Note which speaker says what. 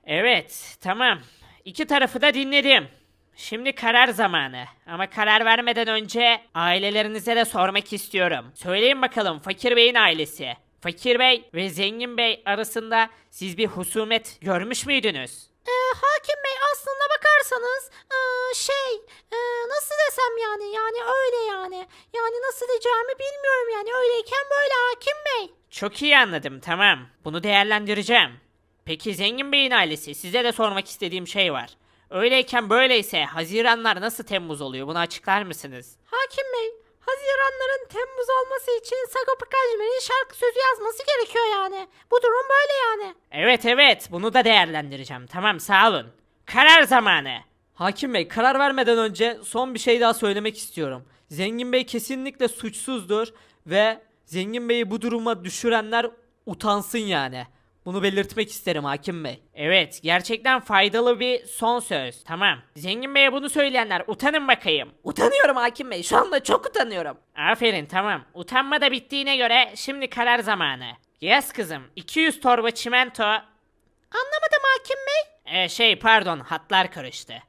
Speaker 1: Evet, tamam. İki tarafı da dinledim. Şimdi karar zamanı. Ama karar vermeden önce ailelerinize de sormak istiyorum. Söyleyin bakalım Fakir Bey'in ailesi. Fakir Bey ve Zengin Bey arasında siz bir husumet görmüş müydünüz?
Speaker 2: Hakim Bey aslında bakarsanız nasıl desem yani öyle yani nasıl diyeceğimi bilmiyorum yani öyleyken böyle Hakim Bey.
Speaker 1: Çok iyi anladım, tamam. Bunu değerlendireceğim. Peki Zengin Bey'in ailesi, size de sormak istediğim şey var. Öyleyken böyleyse Haziranlar nasıl Temmuz oluyor? Bunu açıklar mısınız?
Speaker 2: Hakim Bey, Haziranların Temmuz olması için Sagopa Kajmer'in şarkı sözü yazması gerekiyor yani. Bu durum böyle yani.
Speaker 1: Evet evet, bunu da değerlendireceğim. Tamam, sağ olun. Karar zamanı.
Speaker 3: Hakim Bey, karar vermeden önce son bir şey daha söylemek istiyorum. Zengin Bey kesinlikle suçsuzdur ve Zengin Bey'i bu duruma düşürenler utansın yani. Bunu belirtmek isterim Hakim Bey.
Speaker 1: Evet, gerçekten faydalı bir son söz. Tamam. Zengin Bey'e bunu söyleyenler utanın bakayım.
Speaker 3: Utanıyorum Hakim Bey. Şu anda çok utanıyorum.
Speaker 1: Aferin, tamam. Utanma da bittiğine göre şimdi karar zamanı. Yaz kızım, 200 torba çimento.
Speaker 2: Anlamadım Hakim Bey.
Speaker 1: Pardon, hatlar karıştı.